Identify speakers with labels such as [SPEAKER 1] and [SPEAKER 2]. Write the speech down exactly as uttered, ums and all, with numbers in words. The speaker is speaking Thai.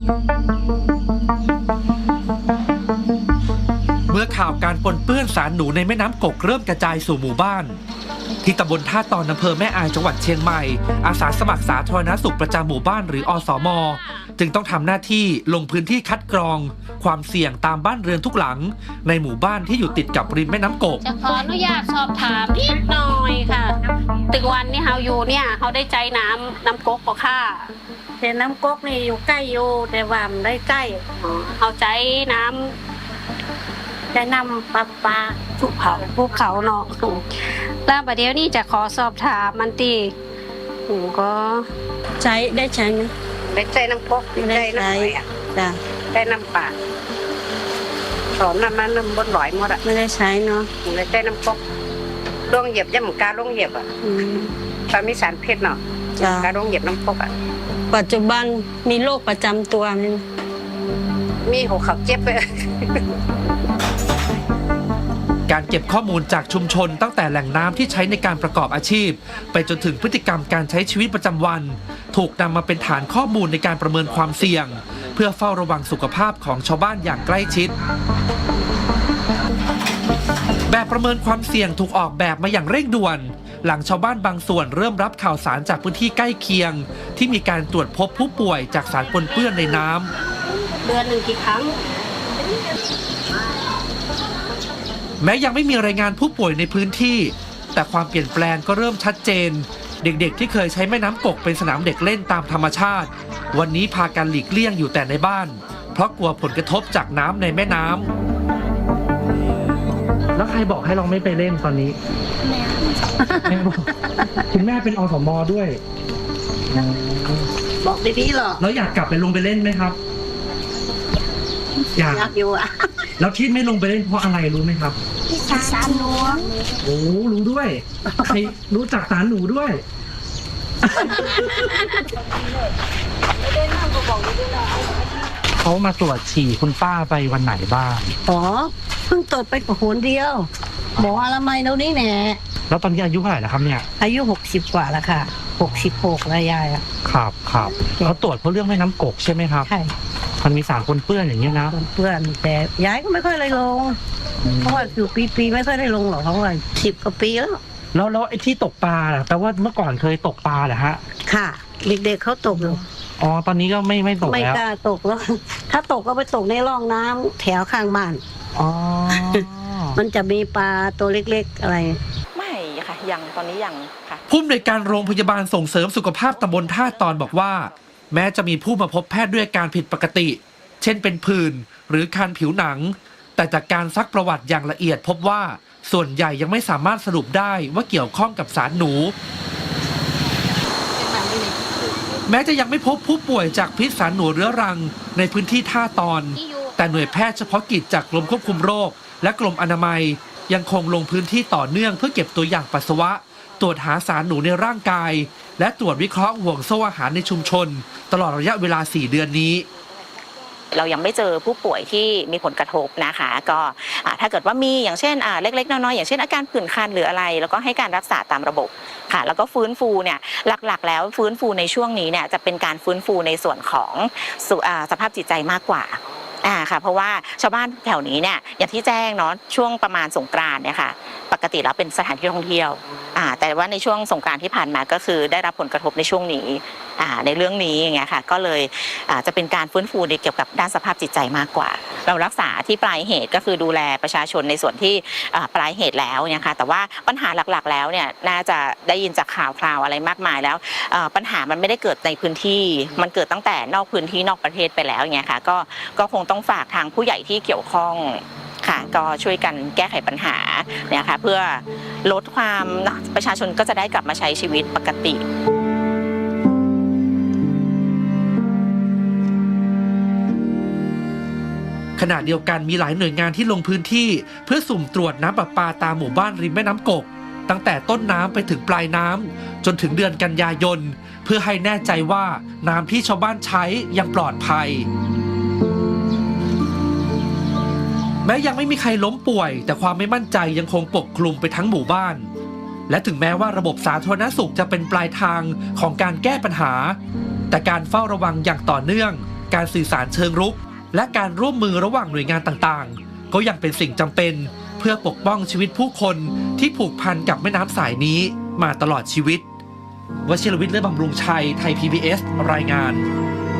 [SPEAKER 1] เมื่อข่าวการปนเปื้อนสารหนูในแม่น้ำกกเริ่มกระจายสู่หมู่บ้านที่ตำบลท่าตอนอำเภอแม่อายจังหวัดเชียงใหม่อาสาสมัครสาธารณสุขประจำหมู่บ้านหรืออสม.จึงต้องทำหน้าที่ลงพื้นที่คัดกรองความเสี่ยงตามบ้านเรือนทุกหลังในหมู่บ้านที่อยู่ติดกับริมแม่น้ำกก
[SPEAKER 2] จะขออนุญาตสอบถามนิดหน่อยค่ะตึกวันนี่เฮาอยู่เนี่ยเขาได้ใจน้ำน้ำกกก็ค่ะ
[SPEAKER 3] แต่น้ำก๊กนี่อยู่ใกล้อยู่แต่ว่ามันได้ใกล้
[SPEAKER 2] เขาใจน้
[SPEAKER 3] ำจะนำปลาปลา
[SPEAKER 2] ภูเขาภูเขาเนาะแล้วประเดี๋ยวนี้จะขอสอบถามมันตีหนูก็
[SPEAKER 3] ใช้ได้ใช้ไหม
[SPEAKER 2] ได้ใจน้ำก๊กได้น้ำอะไรจ้ะได้น้ำป่าสอนน้ำมันน้ำบนหลอยหมดอะ
[SPEAKER 3] ไม่ได้ใช้เนาะ
[SPEAKER 2] ได้ใจน้ำก๊กล่วงเหยียบย่ำหมูกาล่วงเหยียบอะตอนมีสารพิษเนาะการล่วงเหยียบน้ำก๊กอะ
[SPEAKER 3] ปัจจุบันมีโรคประจำตัวมั้ย
[SPEAKER 2] มีหัวเข่าเจ็บไป
[SPEAKER 1] การเก็บข้อมูลจากชุมชนตั้งแต่แหล่งน้ำที่ใช้ในการประกอบอาชีพไปจนถึงพฤติกรรมการใช้ชีวิตประจำวันถูกนำมาเป็นฐานข้อมูลในการประเมินความเสี่ยงเพื่อเฝ้าระวังสุขภาพของชาวบ้านอย่างใกล้ชิดแบบประเมินความเสี่ยงถูกออกแบบมาอย่างเร่งด่วนหลังชาวบ้านบางส่วนเริ่มรับข่าวสารจากพื้นที่ใกล้เคียงที่มีการตรวจพบผู้ป่วยจากสารปนเปื้อนในน้
[SPEAKER 2] ำเดือนหนึ่งกี่ครั้ง
[SPEAKER 1] แม้ยังไม่มีรายงานผู้ป่วยในพื้นที่แต่ความเปลี่ยนแปลงก็เริ่มชัดเจนเด็กๆที่เคยใช้แม่น้ำกกเป็นสนามเด็กเล่นตามธรรมชาติวันนี้พากันหลีกเลี่ยงอยู่แต่ในบ้านเพราะกลัวผลกระทบจากน้ำในแม่น้ำแล้วใครบอกให้เราไม่ไปเล่นตอนนี้แม่บอกคุณแม่เป็นอสม.ด้วย
[SPEAKER 3] บอกดีๆหรอ
[SPEAKER 1] แล้วอยากกลับไปลงไปเล่นไหมครับ
[SPEAKER 3] อยากอยู่อ่ะ
[SPEAKER 1] แล้วที่ไม่ลงไปเล่นเพราะอะไรรู้ไหมครับ
[SPEAKER 3] สารหนู
[SPEAKER 1] โอ้รู้ด้วยใครรู้จักสารหนูด้วยเขามาตรวจฉี่คุณป้าไปวันไหนบ้าง
[SPEAKER 3] อ๋อเพิ่งตรวจไปกับคนเดียวหมออนามัยเรานี่แน่
[SPEAKER 1] แล้วตอนนี้อายุเท่าไหร่แล้วครับเนี่ย
[SPEAKER 3] อายุหกสิบกว่าแล้วค่ะหกสิบหกแล้วยายอ่ะ
[SPEAKER 1] ครับครับเขาตรวจเพราะเรื่องแม่น้ำกกใช่ไหมครับ
[SPEAKER 3] ใช่
[SPEAKER 1] มันมีสารปนเปื้อนอย่างนี้นะ
[SPEAKER 3] ปนเปื้อนแต่ยายก็ไม่ค่อยเลยลงเพราะว่าอยู่ปีๆไม่ค่อยได้ลงหรอกเพราะว่าสิบกว่าปีแล้ว
[SPEAKER 1] แล้วแล้วไอ้ที่ตกปลาแปลว่าเมื่อก่อนเคยตกปลาเหรอฮะ
[SPEAKER 3] ค่ะเด็กๆเขาตกอยู่
[SPEAKER 1] อ๋อตอนนี้ก็ไม่ไม่ตกแล้ว
[SPEAKER 3] ไม่กล้าตกแล้วถ้าตกก็ไปตกในร่องน้ำแถวข้างบ้าน
[SPEAKER 1] อ๋อ
[SPEAKER 3] มันจะมีปลาตัวเล็กๆอะไร
[SPEAKER 4] ไม่ค่ะยังตอนนี้ยังค่ะ
[SPEAKER 1] ผู้อำนวยการโรงพยาบาลส่งเสริมสุขภาพตำบลท่าตอนบอกว่าแม้จะมีผู้มาพบแพทย์ด้วยอาการผิดปกติเช่นเป็นผื่นหรือคันผิวหนังแต่จากการซักประวัติอย่างละเอียดพบว่าส่วนใหญ่ยังไม่สามารถสรุปได้ว่าเกี่ยวข้องกับสารหนูแม้จะยังไม่พบผู้ป่วยจากพิษสารหนูเรื้อรังในพื้นที่ท่าตอนแต่หน่วยแพทย์เฉพาะกิจจากกรมควบคุมโรคและกรมอนามัยยังคงลงพื้นที่ต่อเนื่องเพื่อเก็บตัวอย่างปัสสาวะตรวจหาสารหนูในร่างกายและตรวจวิเคราะห์ห่วงโซ่อาหารในชุมชนตลอดระยะเวลาสี่เดือนนี้
[SPEAKER 4] เรายังไม่เจอผู้ป่วยที่มีผลกระทบนะคะก็ถ้าเกิดว่ามีอย่างเช่นเล็กๆน้อยๆอย่างเช่นอาการผื่นคันหรืออะไรแล้วก็ให้การรักษาตามระบบค่ะแล้วก็ฟื้นฟูเนี่ยหลักๆแล้วฟื้นฟูในช่วงนี้เนี่ยจะเป็นการฟื้นฟูในส่วนของสภาพจิตใจมากกว่าอ่าค่ะเพราะว่าชาวบ้านแถวนี้เนี่ยอย่างที่แจ้งเนาะช่วงประมาณสงกรานต์เนี่ยค่ะปกติแล้วเป็นสถานที่ท่องเที่ยวอ่าแต่ว่าในช่วงสงกรานต์ที่ผ่านมาก็คือได้รับผลกระทบในช่วงนี้อ่าในเรื่องนี้อย่างเงี้ยค่ะก็เลยอ่าจะเป็นการฟื้นฟูในเกี่ยวกับด้านสภาพจิตใจมากกว่าเรารักษาที่ปลายเหตุก็คือดูแลประชาชนในส่วนที่อ่าปลายเหตุแล้วเนี่ยค่ะแต่ว่าปัญหาหลักๆแล้วเนี่ยน่าจะได้ยินจากข่าวคราวอะไรมากมายแล้วอ่าปัญหามันไม่ได้เกิดในพื้นที่มันเกิดตั้งแต่นอกพื้นที่นอกประเทศไปแล้วอย่างเงี้ยค่ะก็ก็คงต้องฝากทางผู้ใหญ่ที่เกี่ยวข้องค่ะก็ช่วยกันแก้ไขปัญหาเนี่ยค่ะเพื่อลดความประชาชนก็จะได้กลับมาใช้ชีวิตปกติ
[SPEAKER 1] ขณะเดียวกันมีหลายหน่วยงานที่ลงพื้นที่เพื่อสุ่มตรวจน้ำประปาตามหมู่บ้านริมแม่น้ำกกตั้งแต่ต้นน้ำไปถึงปลายน้ำจนถึงเดือนกันยายนเพื่อให้แน่ใจว่าน้ำที่ชาวบ้านใช้ยังปลอดภัยแม้ยังไม่มีใครล้มป่วยแต่ความไม่มั่นใจยังคงปกคลุมไปทั้งหมู่บ้านและถึงแม้ว่าระบบสาธารณสุขจะเป็นปลายทางของการแก้ปัญหาแต่การเฝ้าระวังอย่างต่อเนื่องการสื่อสารเชิงรุกและการร่วมมือระหว่างหน่วยงานต่างๆก็ยังเป็นสิ่งจำเป็นเพื่อปกป้องชีวิตผู้คนที่ผูกพันกับแม่น้ำสายนี้มาตลอดชีวิตวชิรวิทย์ เลิศบำรุงชัย ไทย พี บี เอส รายงาน